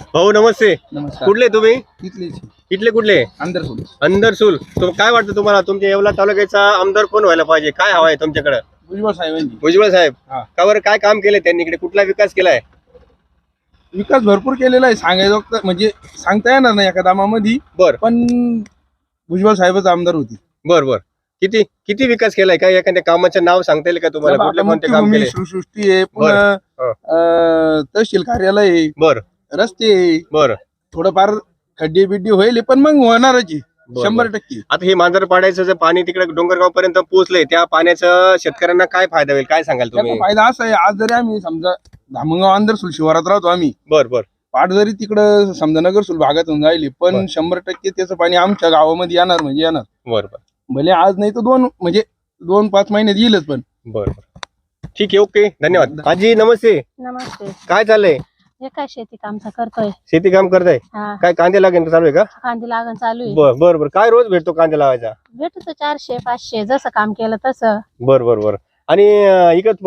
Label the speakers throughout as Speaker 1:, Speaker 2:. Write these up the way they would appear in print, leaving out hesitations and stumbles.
Speaker 1: भाऊ नमस्ते.
Speaker 2: नमस्कार.
Speaker 1: कुठले तुम्ही?
Speaker 2: इथलेच
Speaker 1: इथले कुठले?
Speaker 2: अंदरसूल.
Speaker 1: अंदरसूल. काय वाटतं तुम्हाला तुमच्या येवला तालुक्याचा आमदार कोण व्हायला पाहिजे? काय हवा आहे तुमच्याकडे?
Speaker 2: भुजबळ साहेबांची.
Speaker 1: भुजबळ साहेब.
Speaker 2: हा.
Speaker 1: का बरं काय काम केले त्यांनी? इकडे कुठला विकास केलाय?
Speaker 2: विकास भरपूर केलेला आहे, सांगायचं म्हणजे सांगता येणार नाही एका दामामध्ये.
Speaker 1: बर
Speaker 2: पण भुजबळ साहेबच आमदार होती.
Speaker 1: बर बर किती किती विकास केलाय? काय एखाद्या कामाचं नाव सांगता येईल का तुम्हाला? कुठले कोणते काम केले?
Speaker 2: सृष्टी आहे, पुन्हा तहसील कार्यालय आहे,
Speaker 1: बर
Speaker 2: रस्ते आहे,
Speaker 1: बर
Speaker 2: थोडंफार खड्डे बिड्डे होईल, पण मग होणारच आहे 100%.
Speaker 1: आता हे मांजरपाड्याचं जे पाणी तिकडे डोंगरगाव पर्यंत पोहोचलंय, त्या पाण्याचं शेतकऱ्यांना काय फायदा होईल? काय सांगाल तुम्ही?
Speaker 2: त्याचा फायदा असा आहे, आज जरी आम्ही समजा धामणगाव अंदरसूल शिवारात राहतो आम्ही,
Speaker 1: बर बर
Speaker 2: पाठ जरी तिकडं समजा नगरसूल भागातून जायली, पण 100% त्याचं पाणी आमच्या गावामध्ये येणार म्हणजे येणार.
Speaker 1: बर बर
Speaker 2: भले आज नाही तर 2-5 महिन्यात येईलच. पण
Speaker 1: बर बर ठीक आहे, ओके, धन्यवाद. आजी नमस्ते.
Speaker 3: नमस्ते.
Speaker 1: काय चाललंय?
Speaker 3: हे काय शेती काम करतोय?
Speaker 1: शेती काम करताय?
Speaker 3: हा,
Speaker 1: काय कांदे लागेल चालू आहे का?
Speaker 3: कांदे लागण चालू आहे.
Speaker 1: बर बर बर काय रोज भेटतो कांदे लावायचा?
Speaker 3: भेटतो 400-500 जसं काम केलं तसं.
Speaker 1: बर बर बर आणि इकत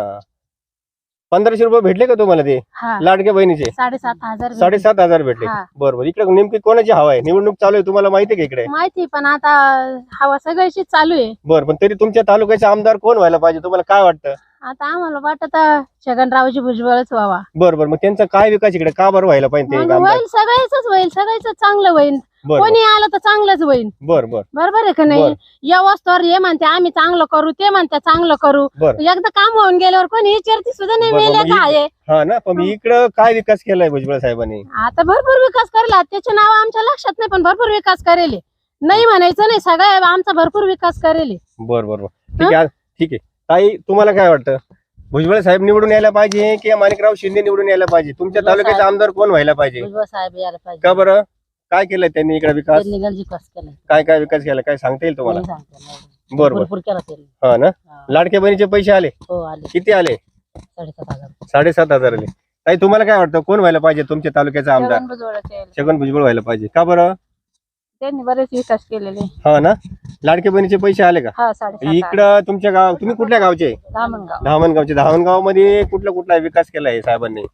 Speaker 1: 1500 रुपये भेटले का तुम्हाला ते
Speaker 3: हा,
Speaker 1: लाडक्या बहिणीचे?
Speaker 3: 7,500
Speaker 1: 7,500 भेटले.
Speaker 3: हा.
Speaker 1: बर बर इकडे नेमकी कोणाची हवा आहे? निवडणूक चालू आहे, तुम्हाला माहिती आहे का इकडे?
Speaker 3: माहिती, पण आता हवा सगळ्याची चालू आहे.
Speaker 1: बर पण तरी तुमच्या तालुक्याचे आमदार कोण व्हायला पाहिजे? तुम्हाला काय वाटतं?
Speaker 3: आता आम्हाला वाटत छगनरावजी भुजबळच व्हावा.
Speaker 1: बर बर मग त्यांचा काय विकास इकडे का बरं व्हायला पाहिजे ते
Speaker 3: मग
Speaker 1: आमदार?
Speaker 3: होईल, सगळ्याच होईल, सगळ्याच चांगलं होईल.
Speaker 1: बर
Speaker 3: कोणी आलं तर चांगलंच होईल.
Speaker 1: बर बर
Speaker 3: बरोबर आहे का नाही? व्यवस्थावर हे म्हणते आम्ही चांगलं करू, ते म्हणते चांगलं करू.
Speaker 1: बर
Speaker 3: एकदा काम होऊन गेल्यावर कोणी विचारती सुद्धा नाही,
Speaker 1: बरं,
Speaker 3: मेले
Speaker 1: मग
Speaker 3: काय.
Speaker 1: हा ना, पण इकडं काय विकास केलाय भुजबळ साहेबांनी?
Speaker 3: आता भरपूर विकास करेल, त्याचे नाव आमच्या लक्षात नाही, पण भरपूर विकास करेल. नाही म्हणायचं नाही, सगळ्या आमचा भरपूर विकास करेल.
Speaker 1: बर बर बर ठीक आहे, ठीक आहे. ताई तुम्हाला काय वाटतं? भुजबळ साहेब निवडून यायला पाहिजे की माणिकराव शिंदे निवडून यायला पाहिजे? तुमच्या तालुक्याचा आमदार कोण व्हायला पाहिजे?
Speaker 3: भुजबळ साहेब यायला पाहिजे.
Speaker 1: का बरं? काय केलंय त्यांनी इकडे विकास?
Speaker 3: त्यांनी गंज विकास केलाय.
Speaker 1: काय काय विकास केला काय सांगता येईल तुम्हाला?
Speaker 3: नाही सांगता येणार.
Speaker 1: बर बर
Speaker 3: भरपूर केला त्यांनी.
Speaker 1: हा ना.
Speaker 3: हा.
Speaker 1: लाडक्या बहिणीचे पैसे आले?
Speaker 3: हो, आले
Speaker 1: किती आले?
Speaker 3: 7,500.
Speaker 1: 7,500 आले. ताई तुम्हाला काय वाटतं कोण व्हायला पाहिजे तुमच्या तालुक्याचा आमदार?
Speaker 3: छगन भुजबळाचे आले.
Speaker 1: छगन भुजबळ व्हायला पाहिजे. का बरं?
Speaker 3: त्यांनी बरेच विकास केलेले.
Speaker 1: हा ना. लाडक्या बहिणीचे पैसे आले का?
Speaker 3: हा, 7,500.
Speaker 1: इकडं तुमच्या गाव, तुम्ही कुठल्या गावचे?
Speaker 3: धामणगाव.
Speaker 1: धामणगावचे. धामणगाव मध्ये कुठला विकास केलाय साहेबांनी?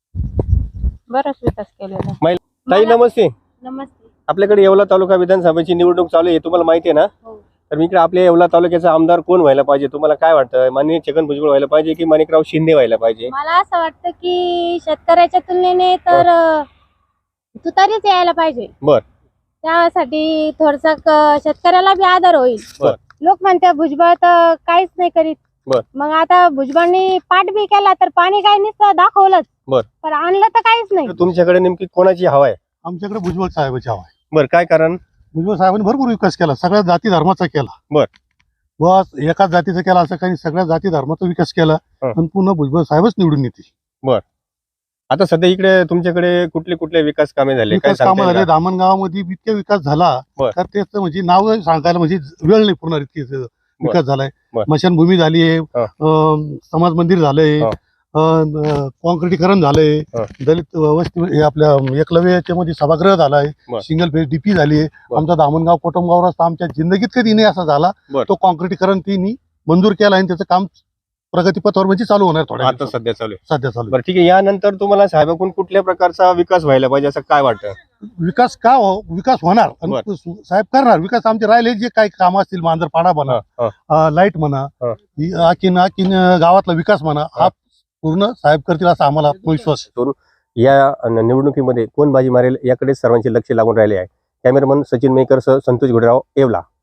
Speaker 3: बराच विकास केलेला.
Speaker 1: ताई नमस्ते.
Speaker 3: नमस्ते.
Speaker 1: आपल्याकडे येवला तालुका विधानसभेची निवडणूक चालू आहे, तुम्हाला माहिती आहे ना?
Speaker 3: हो.
Speaker 1: तर इकडे आपल्या येवला तालुक्याचा आमदार कोण व्हायला पाहिजे? तुम्हाला काय वाटतं? माननीय छगन भुजबळ व्हायला पाहिजे की माणिकराव शिंदे व्हायला पाहिजे?
Speaker 3: मला असं वाटतं की शेतकऱ्याच्या तुलनेने तर तुतारीच यायला पाहिजे.
Speaker 1: बर.
Speaker 3: त्यासाठी थोडसा शेतकऱ्याला बी आधार होईल.
Speaker 1: बर.
Speaker 3: लोक म्हणते भुजबळ तर काहीच नाही करीत.
Speaker 1: बर.
Speaker 3: मग आता भुजबळनी पाठ बी केला तर पाणी काय नुसतं दाखवलंच.
Speaker 1: बर.
Speaker 3: पण आणलं तर काहीच नाही.
Speaker 1: तुमच्याकडे नेमकी कोणाची हवा आहे?
Speaker 4: आमच्याकडे भुजबळ साहेबाची हवा आहे.
Speaker 1: बर काय कारण?
Speaker 4: भुजबळ साहेबांनी भरपूर विकास केला, सगळ्या जाती धर्माचा केला.
Speaker 1: बर.
Speaker 4: बस एकाच जातीचा केला असं काही, सगळ्या जाती धर्माचा विकास केला.
Speaker 1: हं.
Speaker 4: आणि पुन्हा भुजबळ साहेबच निवडून येते.
Speaker 1: आता सध्या इकडे तुमच्याकडे कुठले विकास कामे झाले? काय
Speaker 4: विकास
Speaker 1: सांगता
Speaker 4: कामं
Speaker 1: येईल
Speaker 4: झाले
Speaker 1: का?
Speaker 4: धामणगावामध्ये इतके विकास झाला
Speaker 1: बर.
Speaker 4: तर त्याचं म्हणजे नाव सांगायला म्हणजे वेळ नाही पुन्हा इतके विकास झालाय.
Speaker 1: बर.
Speaker 4: स्मशानभूमी झाली आहे, समाज मंदिर झालंय,
Speaker 1: हं.
Speaker 4: कॉन्क्रिटीकरण झालंय,
Speaker 1: हं.
Speaker 4: दलित वस्ती हे आपल्या एकलव्य याच्यामध्ये सभागृह झालाय,
Speaker 1: बर.
Speaker 4: सिंगल फेज डीपी झाली आहे.
Speaker 1: बर.
Speaker 4: आमचा धामणगाव कोटमगाव रस्ता आमच्या जिंदगीत कधी नाही असा झाला.
Speaker 1: बर.
Speaker 4: तो कॉन्क्रिटीकरण तिने मंजूर केला आणि त्याचं काम प्रगतीपथावर म्हणजे चालू होणार थोड्या
Speaker 1: आता
Speaker 4: दिवसात.
Speaker 1: सध्या चालू आहे.
Speaker 4: सध्या चालू आहे.
Speaker 1: बरं ठीक आहे. यानंतर तुम्हाला साहेबांकडून कुठल्या प्रकारचा विकास व्हायला पाहिजे असं काय वाटतं?
Speaker 4: विकास विकास होणार आणि साहेब करणार विकास. आमचे राहिले जे काही काम असतील, मांजरपाडा म्हणा, लाईट म्हणा, आखीन गावातला विकास म्हणा, हा पूर्ण साहेब करतील असा आम्हाला विश्वास आहे.
Speaker 1: या निवडणुकीमध्ये कोण बाजी मारेल याकडे सर्वांचे लक्ष लागून राहिले आहे. कॅमेरामन सचिन मेकर सह संतोष गुडराव, येवला.